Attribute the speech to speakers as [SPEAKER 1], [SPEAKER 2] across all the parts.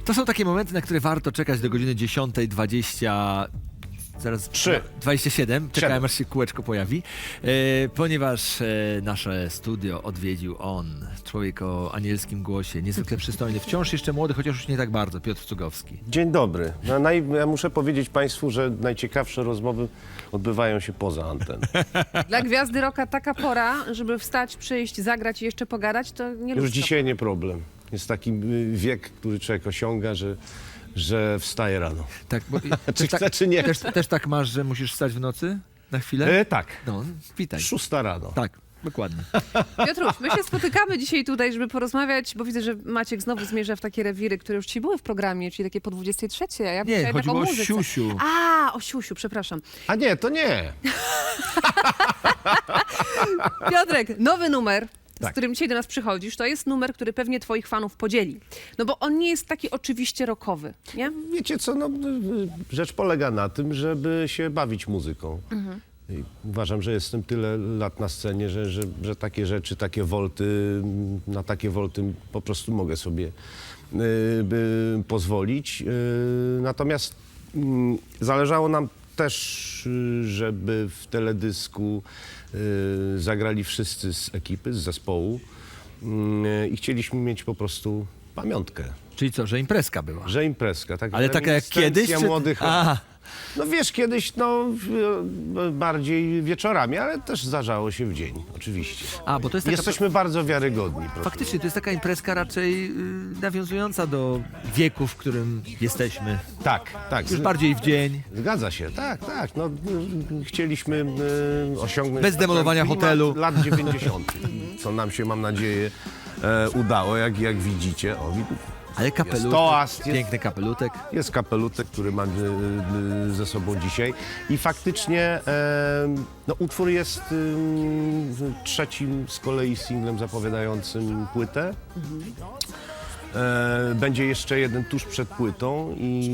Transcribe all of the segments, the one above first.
[SPEAKER 1] To są takie momenty, na które warto czekać do godziny 10:20. Zaraz 27, czekałem aż się kółeczko pojawi, ponieważ nasze studio odwiedził on, człowiek o anielskim głosie, niezwykle przystojny, wciąż jeszcze młody, chociaż już nie tak bardzo, Piotr Cugowski.
[SPEAKER 2] Dzień dobry. Ja muszę powiedzieć Państwu, że najciekawsze rozmowy odbywają się poza anteną.
[SPEAKER 3] Dla gwiazdy rocka taka pora, żeby wstać, przyjść, zagrać i jeszcze pogadać, to nie
[SPEAKER 2] Już
[SPEAKER 3] ludzko.
[SPEAKER 2] dzisiaj nie problem. Jest taki wiek, który człowiek osiąga, że wstaje rano.
[SPEAKER 1] Tak, bo,
[SPEAKER 2] Czy chce, czy nie chce.
[SPEAKER 1] też tak masz, że musisz wstać w nocy na chwilę?
[SPEAKER 2] Tak.
[SPEAKER 1] No, witaj.
[SPEAKER 2] 6 rano.
[SPEAKER 1] Tak, dokładnie.
[SPEAKER 3] Piotruś, my się spotykamy dzisiaj tutaj, żeby porozmawiać, bo widzę, że Maciek znowu zmierza w takie rewiry, które już ci były w programie, czyli takie po 23, a ja
[SPEAKER 1] Nie,
[SPEAKER 3] myślałem
[SPEAKER 1] chodziło
[SPEAKER 3] o
[SPEAKER 1] o
[SPEAKER 3] muzyce.
[SPEAKER 1] siusiu.
[SPEAKER 3] A, o siusiu, przepraszam.
[SPEAKER 2] A nie, to nie.
[SPEAKER 3] Piotrek, nowy numer, z
[SPEAKER 2] Tak.
[SPEAKER 3] którym dzisiaj do nas przychodzisz, to jest numer, który pewnie twoich fanów podzieli. No bo on nie jest taki oczywiście rockowy, nie?
[SPEAKER 2] Wiecie co, no, rzecz polega na tym, żeby się bawić muzyką. I uważam, że jestem tyle lat na scenie, że takie rzeczy, takie wolty, na takie wolty po prostu mogę sobie pozwolić. Natomiast zależało nam też, żeby w teledysku zagrali wszyscy z ekipy, z zespołu i chcieliśmy mieć po prostu pamiątkę,
[SPEAKER 1] Czyli co, że imprezka była?
[SPEAKER 2] że imprezka. Tak,
[SPEAKER 1] Ale taka jak kiedyś? Czy...
[SPEAKER 2] Młodych,
[SPEAKER 1] A,
[SPEAKER 2] no wiesz, kiedyś bardziej wieczorami, ale też zdarzało się w dzień, oczywiście.
[SPEAKER 1] bo to jest taka...
[SPEAKER 2] Jesteśmy bardzo wiarygodni. Proszę.
[SPEAKER 1] Faktycznie, to jest taka imprezka raczej nawiązująca do wieku, w którym jesteśmy.
[SPEAKER 2] Tak.
[SPEAKER 1] Już bardziej w dzień.
[SPEAKER 2] Zgadza się, tak. No, chcieliśmy osiągnąć...
[SPEAKER 1] Bez demolowania
[SPEAKER 2] klimat
[SPEAKER 1] hotelu.
[SPEAKER 2] lat 90., co nam się, mam nadzieję, udało, jak widzicie. O,
[SPEAKER 1] Ale kapelutek,
[SPEAKER 2] Jest toast,
[SPEAKER 1] piękny kapelutek.
[SPEAKER 2] jest kapelutek, który mam ze sobą dzisiaj. I faktycznie no, utwór jest trzecim z kolei singlem zapowiadającym płytę. Będzie jeszcze jeden tuż przed płytą i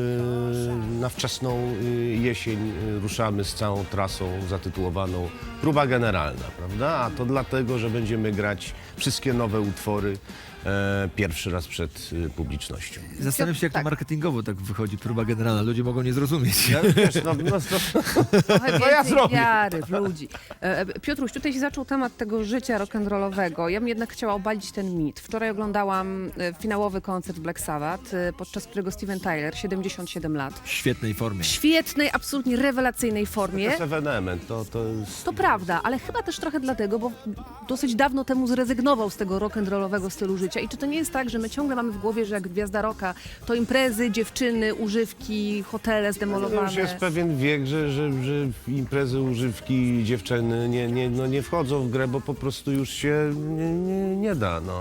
[SPEAKER 2] na wczesną jesień ruszamy z całą trasą zatytułowaną Próba Generalna, prawda? A to dlatego, że będziemy grać wszystkie nowe utwory pierwszy raz przed publicznością.
[SPEAKER 1] Zastanawiam się, jak to
[SPEAKER 3] Tak.
[SPEAKER 1] marketingowo tak wychodzi, próba generalna. Ludzie mogą nie zrozumieć.
[SPEAKER 2] Ja, wiesz,
[SPEAKER 3] Trochę
[SPEAKER 2] No ja
[SPEAKER 3] więcej
[SPEAKER 2] zrobię.
[SPEAKER 3] wiary w ludzi. Piotruś, tutaj się zaczął temat tego życia rock'n'rollowego. Ja bym jednak chciała obalić ten mit. Wczoraj oglądałam finałowy koncert Black Sabbath, podczas którego Steven Tyler, 77 lat,
[SPEAKER 1] W świetnej formie.
[SPEAKER 3] w świetnej, absolutnie rewelacyjnej
[SPEAKER 2] to
[SPEAKER 3] formie.
[SPEAKER 2] jest ewenement, to jest...
[SPEAKER 3] To prawda, ale chyba też trochę dlatego, bo dosyć dawno temu zrezygnował z tego rock'n'rollowego stylu życia. I czy to nie jest tak, że my ciągle mamy w głowie, że jak gwiazda rocka, to imprezy, dziewczyny, używki, hotele
[SPEAKER 2] To
[SPEAKER 3] zdemolowane?
[SPEAKER 2] już jest pewien wiek, że imprezy, używki, dziewczyny nie wchodzą w grę, bo po prostu już się nie da. No.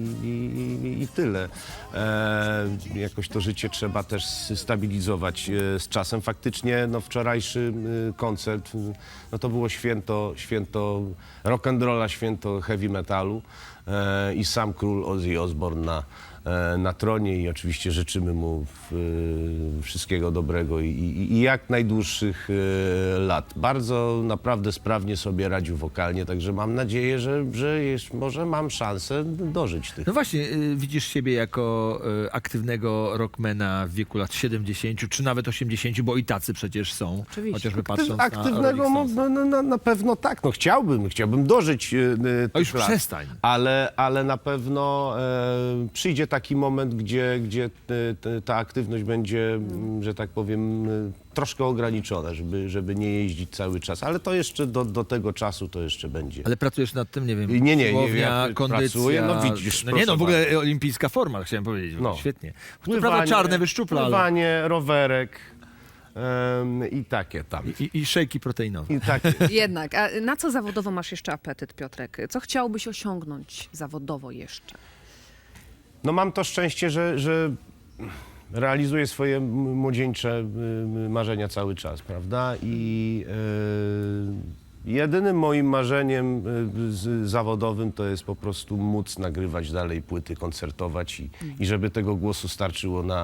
[SPEAKER 2] I tyle. Jakoś to życie trzeba też stabilizować z czasem. Faktycznie no, wczorajszy koncert no, to było święto rock'n'rolla, święto heavy metalu i sam król Ozzy Osbourne na tronie i oczywiście życzymy mu wszystkiego dobrego i jak najdłuższych lat. Bardzo naprawdę sprawnie sobie radził wokalnie, także mam nadzieję, że może mam szansę dożyć tych.
[SPEAKER 1] No właśnie, widzisz siebie jako aktywnego rockmana w wieku lat 70 czy nawet 80, bo i tacy przecież są.
[SPEAKER 3] Oczywiście.
[SPEAKER 1] Chociażby patrząc
[SPEAKER 2] Aktywnego
[SPEAKER 1] na Rolling Stones.
[SPEAKER 2] na pewno tak, no chciałbym dożyć
[SPEAKER 1] O, już
[SPEAKER 2] tych lat.
[SPEAKER 1] przestań.
[SPEAKER 2] Ale na pewno przyjdzie taki moment, gdzie ta aktywność będzie, że tak powiem, troszkę ograniczona, żeby nie jeździć cały czas. Ale to jeszcze do tego czasu to jeszcze będzie.
[SPEAKER 1] Ale pracujesz nad tym, nie wiem,
[SPEAKER 2] Nie,
[SPEAKER 1] siłownia,
[SPEAKER 2] ja
[SPEAKER 1] kondycja.
[SPEAKER 2] pracuję, no widzisz,
[SPEAKER 1] No nie, no w
[SPEAKER 2] proszę
[SPEAKER 1] ogóle olimpijska forma, chciałem powiedzieć.
[SPEAKER 2] No.
[SPEAKER 1] Świetnie. To prawda czarne wyszczupla, ale...
[SPEAKER 2] pływanie, rowerek i takie tam.
[SPEAKER 1] I szejki proteinowe.
[SPEAKER 2] I takie.
[SPEAKER 3] Jednak. A na co zawodowo masz jeszcze apetyt, Piotrek? Co chciałbyś osiągnąć zawodowo jeszcze?
[SPEAKER 2] No mam to szczęście, że realizuję swoje młodzieńcze marzenia cały czas, prawda? I jedynym moim marzeniem zawodowym to jest po prostu móc nagrywać dalej płyty, koncertować i żeby tego głosu starczyło na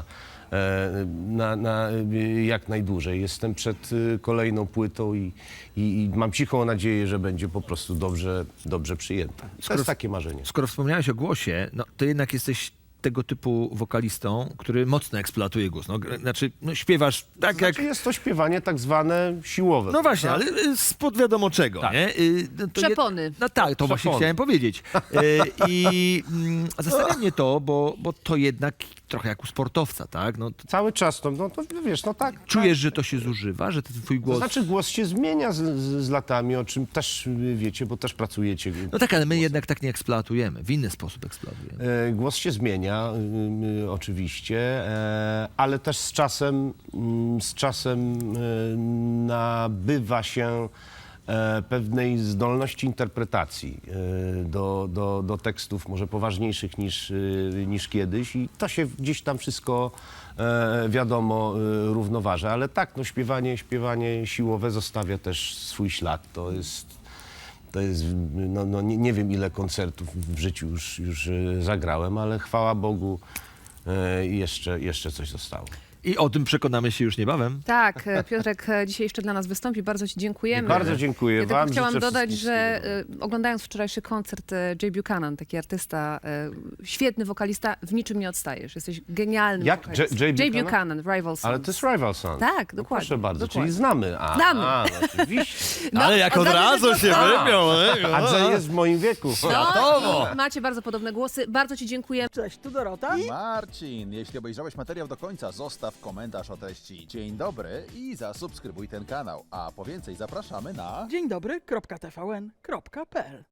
[SPEAKER 2] jak najdłużej. Jestem przed kolejną płytą i mam cichą nadzieję, że będzie po prostu dobrze przyjęta. To jest takie marzenie.
[SPEAKER 1] Skoro wspomniałeś o głosie, no to jednak jesteś tego typu wokalistą, który mocno eksploatuje głos. No, znaczy, no, śpiewasz tak jak...
[SPEAKER 2] Znaczy jest to śpiewanie tak zwane siłowe.
[SPEAKER 1] No właśnie,
[SPEAKER 2] prawda?
[SPEAKER 1] ale spod wiadomo czego,
[SPEAKER 2] Tak.
[SPEAKER 1] nie? No to
[SPEAKER 3] Przepony.
[SPEAKER 1] No tak, to właśnie
[SPEAKER 2] Przepony.
[SPEAKER 1] chciałem powiedzieć. I zastanawia mnie to, bo to jednak trochę jak u sportowca, tak? No,
[SPEAKER 2] Cały czas to, no to wiesz, no tak.
[SPEAKER 1] czujesz, że to się zużywa, że ten twój
[SPEAKER 2] To
[SPEAKER 1] głos...
[SPEAKER 2] znaczy głos się zmienia z latami, o czym też wiecie, bo też pracujecie.
[SPEAKER 1] No tak, ale my jednak tak nie eksploatujemy, w inny sposób eksploatujemy.
[SPEAKER 2] Głos się zmienia, oczywiście, ale też z czasem nabywa się pewnej zdolności interpretacji do tekstów może poważniejszych niż kiedyś i to się gdzieś tam wszystko wiadomo równoważy, ale tak, no śpiewanie siłowe zostawia też swój ślad, to jest no nie wiem ile koncertów w życiu już zagrałem, ale chwała Bogu jeszcze coś zostało.
[SPEAKER 1] I o tym przekonamy się już niebawem.
[SPEAKER 3] Tak, Piotrek dzisiaj jeszcze dla nas wystąpi. Bardzo ci dziękujemy.
[SPEAKER 2] Bardzo dziękuję
[SPEAKER 3] Ja tylko
[SPEAKER 2] wam.
[SPEAKER 3] chciałam
[SPEAKER 2] życzę
[SPEAKER 3] dodać,
[SPEAKER 2] wszystkim
[SPEAKER 3] że
[SPEAKER 2] wszystkiego.
[SPEAKER 3] oglądając wczorajszy koncert Jay Buchanan, taki artysta, świetny wokalista, w niczym nie odstajesz. Jesteś genialnym
[SPEAKER 2] Jak?
[SPEAKER 3] wokalistą.
[SPEAKER 2] Jay
[SPEAKER 3] Jay
[SPEAKER 2] Buchanan?
[SPEAKER 3] Buchanan, Rival Sons.
[SPEAKER 2] Ale to jest Rival Sons.
[SPEAKER 3] Tak,
[SPEAKER 2] No
[SPEAKER 3] dokładnie,
[SPEAKER 2] proszę bardzo,
[SPEAKER 3] dokładnie.
[SPEAKER 2] czyli znamy.
[SPEAKER 3] Znamy.
[SPEAKER 2] No, oczywiście.
[SPEAKER 3] No,
[SPEAKER 1] ale jak od razu się wymiał.
[SPEAKER 2] Andrzej jest w moim wieku.
[SPEAKER 3] No, i macie bardzo podobne głosy. Bardzo ci dziękuję.
[SPEAKER 4] Cześć, tu Dorota.
[SPEAKER 5] Marcin, jeśli obejrzałeś materiał do końca, zostaw komentarz o treści Dzień dobry i zasubskrybuj ten kanał. A po więcej zapraszamy na...
[SPEAKER 4] Dzień dobry, .tvn.pl